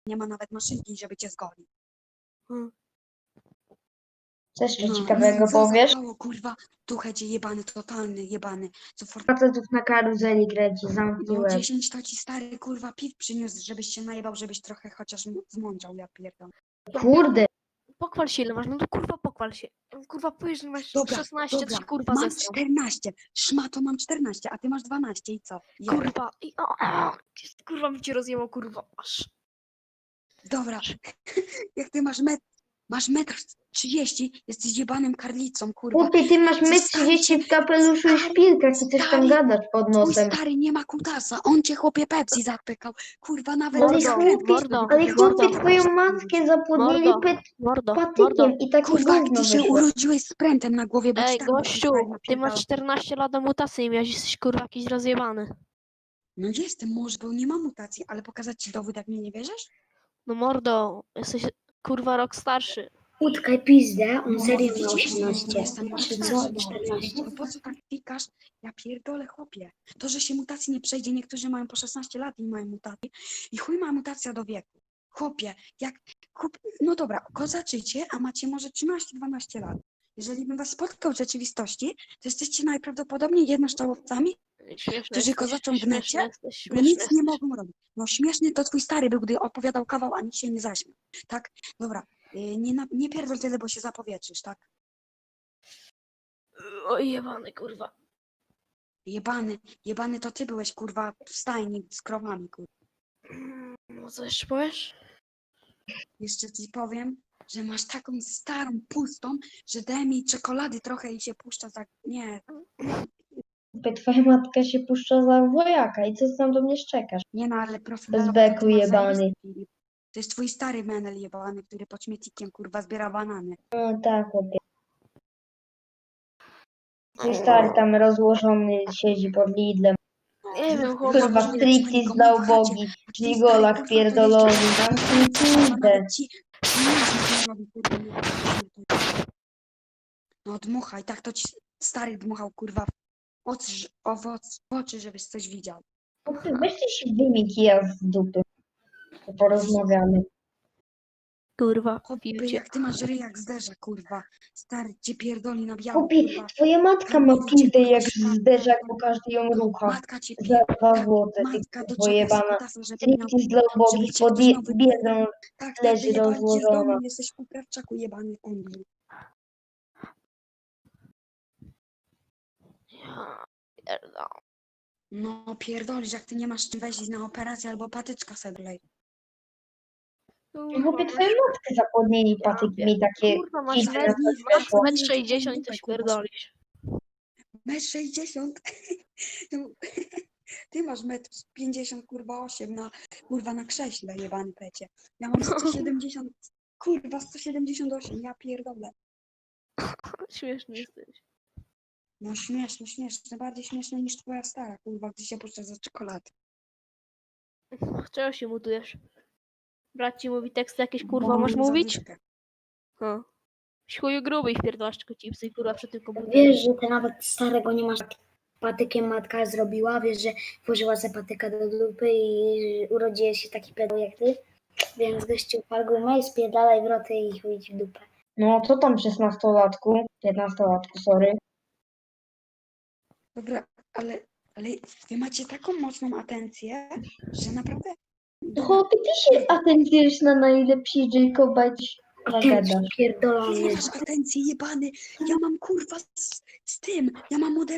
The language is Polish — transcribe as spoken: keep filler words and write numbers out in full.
nie ma nawet maszynki, żeby cię zgolił. Hmm. Co jeszcze No, ciekawego co powiesz? zapało, kurwa, tuchecie jebany, totalny jebany. Co for... Facetów na karuzeli kręci, zamknij No łeb. dziesięć to ci stary, kurwa, piw przyniósł, żebyś się najebał, żebyś trochę chociaż m- zmądrzał, ja pierdolę. Kurde, Pochwal się ile masz, no to kurwa pochwal się. Kurwa powiesz, że masz Dobra, szesnaście, dobra, to ci kurwa mam zesrał. czternaście, szmato mam czternaście, a ty masz dwanaście i co? Jeb. Kurwa, i o, o, kurwa mi cię rozjęło, kurwa, aż. Dobra, jak ty masz metr, masz metr trzydzieści, jesteś jebanym karlicą, kurwa. chłopie, ty masz Co metr stary trzydzieści cię- w kapeluszu i stary, szpilkach i coś tam stary, gadasz pod Twój nosem. stary nie ma kutasa, on cię chłopie Pepsi zapykał, kurwa, nawet Ale nie Mordo, skrętny, mordo, żeby Ale powiedzieć, chłopie, mordo, twoją matkę zapłodnili mordo, pet mordo, mordo. patykiem i takie kurwa, jak gówno ty się wyszło. urodziłeś z prętem na głowie, bo ci Ej, tak twój gościu, stary ty napierdalał. masz czternaście lat, a mutację miałeś, jesteś kurwa jakiś rozjebany. No jestem, może, bo nie mam mutacji, ale pokazać ci dowód, jak mnie nie wierzysz? No mordo, jesteś kurwa rok starszy. Utkaj pizdę, on No, serio ma widzisz, osiemnaście. jestem rok Czy starszy, co? no. czternaście. No po co tak pikasz? Ja pierdolę, chłopie. To, że się mutacji nie przejdzie, niektórzy mają po szesnaście lat i nie mają mutacji. I chuj ma mutacja do wieku. Chłopie, jak... Chłop... No dobra, kozaczycie, a macie może trzynaście dwanaście lat. Jeżeli bym was spotkał w rzeczywistości, to jesteście najprawdopodobniej jednoszczałowcami, Śmieszny którzy jesteś, kozaczą w śmieszny necie, jesteś, bo śmieszny nic nie jesteś. mogą robić. No śmieszny to twój stary był, gdy opowiadał kawał, a nic się nie zaśmiał. Tak? Dobra, yy, nie, na... nie pierdol tyle, bo się zapowietrzysz, tak? Oj, jebany kurwa. Jebany, jebany to ty byłeś, kurwa, w stajni z krowami, kurwa. No co jeszcze powiesz? Jeszcze ci powiem, że masz taką starą, pustą, że daj mi czekolady trochę i się puszcza za... Nie, Chłopie, twoja matka się puszcza za wojaka i co ty tam do mnie szczekasz? nie no, ale profil Bez to beku ty masz jebany. zajebisty, Filip. To jest twój stary menel jebany, który pod śmietnikiem, kurwa, zbiera banany. No tak, chłopie. Twój stary tam rozłożony siedzi pod Lidlem. Nie wiem, chłopak. Kurwa, nie striptease ma dla w chacie. ubogich, Twój stary, gigolak kurwa, to pierdolony, jeszcze- zamknij pizdę. Nawet ci pieniądze nie robi, kurwa, nie No dmuchaj, tak to ci stary dmuchał, kurwa, oczy, owoc, w oczy, żebyś coś widział. Chłopie, weźcie się wyjmij kija z dupy. To porozmawiamy. Kurwa, Chłopie, piłcie. jak ty masz ryj jak zderza, kurwa. Stary cię pierdoli na biało, Chłopie, kurwa. twoja matka ma pizdę jak zderzak, bo każdy ją rucha. Matka cię Za dwa tak, złote, matka ty do kurwo ciebie jebana. skutasa, żeby miał... Striptease dla ubogich, żeby cię pod ktoś miał wy- biedą Tak, tak, leży wyjebali cię z rozłożona. domu, jesteś u krawczaku jebany kundlu. Ja pierdolę. No pierdolisz, jak ty nie masz czym wejść na operację albo patyczka sedlej. Chłopie, twoją matkę zapłodnili patyki takie Kurwa, masz kidy na metr, coś masz weszło. metr sześćdziesiąt i coś pierdolisz. Metr sześćdziesiąt. Ty masz metr pięćdziesiąt, kurwa osiem na, kurwa na krześle, jebany pecie. Ja mam sto siedemdziesiąt, kurwa sto siedemdziesiąt osiem, ja pierdolę. Śmieszny jesteś. No śmieszne, śmieszne, bardziej śmieszne niż twoja stara, kurwa, gdy się puszcza za czekolady. Czego się mutujesz? Brat ci mówi teksty jakieś, kurwa, Bo masz mam mówić? zadyszkę. No. Chuju gruby i wpierdolasz tylko chipsy i kurwa przed tym komputerem. Wiesz, że ty nawet starego nie masz. Patykiem matka zrobiła, wiesz, że włożyła sobie patyka do dupy i urodziłeś się taki pedał jak ty. Więc gościu pal gumę i spierdalaj wroty i chuj ci w dupę. No co tam szesnastolatku? piętnastolatku, sorry. Dobra, ale, ale wy macie taką mocną atencję, że naprawdę... To chłopie, ty się atencjujesz na najlepsi Jacoba i coś A ty gadasz. pierdolony. Ty masz atencję, jebany, ja mam kurwa z, z tym, ja mam moder